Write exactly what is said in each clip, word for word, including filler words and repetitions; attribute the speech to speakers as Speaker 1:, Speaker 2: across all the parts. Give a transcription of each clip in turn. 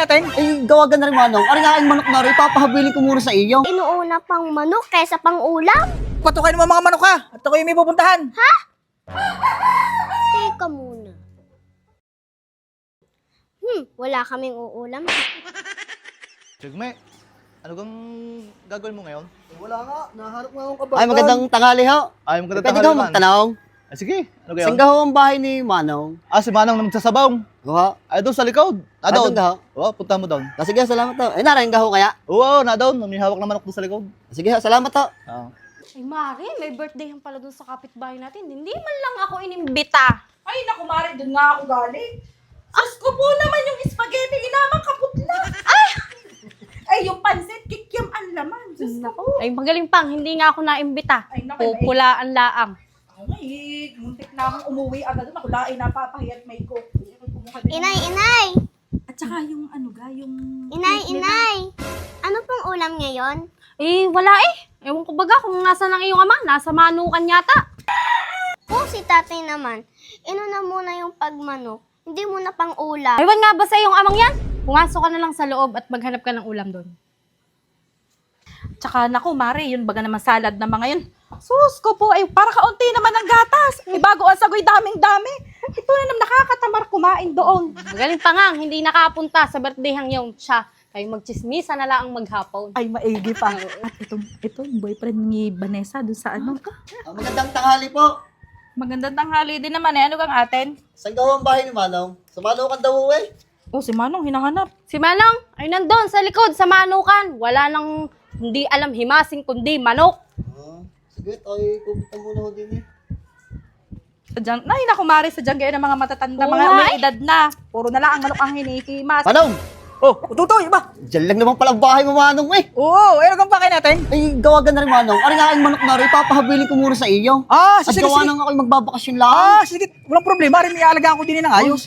Speaker 1: natin?
Speaker 2: Ay, gawagan na rin manong. Ari nga aking manok na rin, papahabilin ko muna sa iyo.
Speaker 3: Inuuna pang manok kaysa pang ulam?
Speaker 1: Patukain mo mga manok ha. At ako yung may pupuntahan.
Speaker 3: Teka muna. Hmm, wala kaming uulam.
Speaker 4: Jigme, ano gang gagawin mo ngayon?
Speaker 2: Eh, wala nga, nahanap nga akong kabagan. Ay, magandang tanghali ho.
Speaker 4: Ay, maganda
Speaker 2: Pwede
Speaker 4: tanghali
Speaker 2: daw
Speaker 4: man.
Speaker 2: magtanong.
Speaker 4: Ay, sige, ano gayon?
Speaker 2: Saan ho ang bahay ni Manong?
Speaker 4: Ah, si Manang na magsasabong.
Speaker 2: Ho?
Speaker 4: Ay, doon sa likod. Ah,
Speaker 2: Ay,
Speaker 4: doon.
Speaker 2: doon ka ho?
Speaker 4: Oo, punta mo doon.
Speaker 2: Ah, sige, salamat ho. Eh, narating ka ho kaya?
Speaker 4: Oo, na doon. May hawak na manok doon sa likod.
Speaker 2: Sige ho, salamat ho.
Speaker 4: Ah.
Speaker 5: Ay, Mari, may birthday yan pala dun sa kapitbahay natin. Hindi man lang ako inimbita.
Speaker 6: Ay, naku, Mari, doon nga ako galing. As ko po naman yung spaghetti, inamang kaputla. Ay! Ay, yung pansit, kikiam ang laman. Diyos ko po.
Speaker 5: Ay, magaling pang, hindi nga ako naimbita.
Speaker 6: Ay, naku, may-
Speaker 5: Pupulaan laang.
Speaker 6: Ay, muntik na akong umuwi agad doon. Ako lain, napapahiyat may coke. Ay, kumuha din.
Speaker 3: Inay, inay!
Speaker 6: At saka yung ano ga, yung...
Speaker 3: Inay, inay! Ano pong ulam ngayon?
Speaker 5: Eh, wala eh. Ewan ko baga kung nasa ng iyong ama. Nasa manukan yata.
Speaker 3: Kung si tatay naman, inuna muna yung pagmanok, hindi muna pang ulam.
Speaker 5: Aywan nga ba sa iyong amang yan? Pumasok ka na lang sa loob at maghanap ka ng ulam doon.
Speaker 6: Tsaka, naku, Mari, yun baga naman salad na mga yun. Sus ko po, ay para kaunti naman ang gatas. May bago ang sagoy, daming-dami. Ito na naman nakakatamar kumain doon.
Speaker 5: Magaling pa nga, hindi nakapunta sa birthday hang yung siya. Kayo magchismisa na lang ang maghapon.
Speaker 6: Ay, maigi pa. At ito, ito, boyfriend ni Vanessa doon sa ano.
Speaker 2: Ah, magandang tanghali po.
Speaker 6: Magandang tanghali din naman eh. Ano kang atin?
Speaker 2: Saan ho ang bahay ni Manong? Sa Manukan daw ho eh.
Speaker 6: Oh, si Manong, hinahanap.
Speaker 5: Si Manong, ay nandun sa likod, sa manukan. Wala nang hindi alam himasing kundi manok.
Speaker 2: Ah, sige, tayo pupunta muna ho din eh.
Speaker 6: Sadyang, nay, naku, Mari, sadyang gaya ng mga matatanda,
Speaker 5: Oo
Speaker 6: mga
Speaker 5: nga
Speaker 6: may
Speaker 5: eh.
Speaker 6: edad na. Puro na lang ang manok ang hinihimas.
Speaker 2: Manong!
Speaker 1: Oh, ututoy ba?
Speaker 2: Diyan lang naman pala ang bahay mo Manong eh.
Speaker 1: Oo, eh, ano gang pakain natin?
Speaker 2: Ay, gawagan na rin Manong. Ari nga aking manok na rin, papahabilin ko muna sa iyo.
Speaker 1: Ah,
Speaker 2: At
Speaker 1: sige,
Speaker 2: gawa
Speaker 1: sige.
Speaker 2: nang ako'y magbabakasyon lang.
Speaker 1: Ah, sige, walang problema. Rin, ialagaan ko din ng ayos.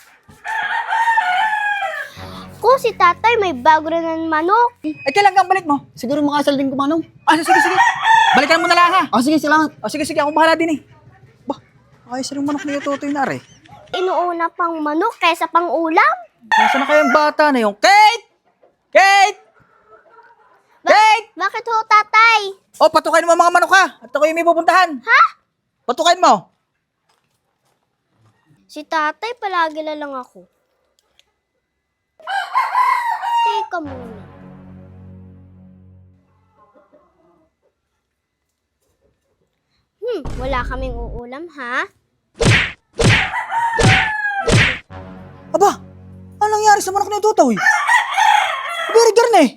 Speaker 3: Kung si tatay may bago rin ng manok,
Speaker 1: Eh, kailan kang balik mo?
Speaker 2: Siguro makasal din ko Manong.
Speaker 1: Ah, sige, sige. Balikan mo na lang ha.
Speaker 2: Ah, sige, salamat.
Speaker 1: Ah, sige, sige, ako bahala din eh. Bah, ayos rin manok ni Ututoy na rin.
Speaker 3: inuuna pang manok kaysa pang ulam?
Speaker 1: Nasaan na kayang bata na yung Kate! Kate! Kate!
Speaker 3: Bakit ho, tatay?
Speaker 1: Oh, patukain mo mga manok ha. At ako yung may pupuntahan.
Speaker 3: Ha?
Speaker 1: Patukain mo.
Speaker 3: Si tatay palagi na lang ako. Teka muna. Hmm, wala kaming uulam, ha?
Speaker 1: Aba, ano nangyari sa manok ni Ututoy? Very girl eh.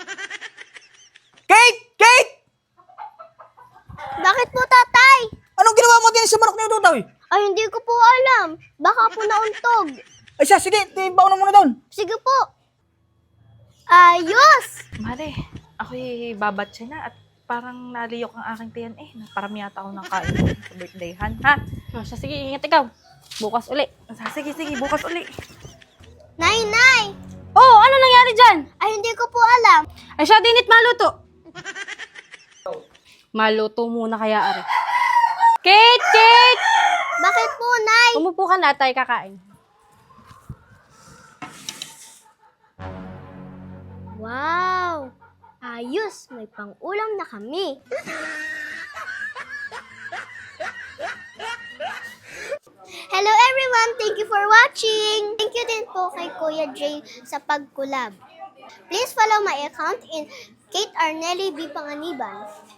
Speaker 1: Kate! Kate!
Speaker 3: Bakit po, tatay?
Speaker 1: Anong ginawa mo din sa manok ni Ututoy?
Speaker 3: Ay, hindi ko po alam. Baka po nauntog.
Speaker 1: Ay siya, sige, tibaw na muna doon.
Speaker 3: Sige po. Ayos!
Speaker 6: Mari, ako'y babatse na at parang naliyok ang aking tiyan eh. Parang yata ako ng kain sa birthdayhan, ha?
Speaker 5: Oh, siya, sige, ingat ikaw. Bukas uli.
Speaker 6: Sige, sige, bukas uli.
Speaker 3: Nay, nay!
Speaker 5: Oh, ano nangyari dyan?
Speaker 3: Ay, hindi ko po alam.
Speaker 5: Ay siya, dinit maluto. Maluto muna kaya, Ari. Kate! Kate!
Speaker 3: Bakit po, nay?
Speaker 5: Umupo ka na, tayo kakain.
Speaker 3: Wow! Ayos! May pang-ulam na kami. Hello everyone! Thank you for watching! Thank you din po kay Kuya Jay sa pag-collab. Please follow my account in Kate Arnelli B. Panganiban.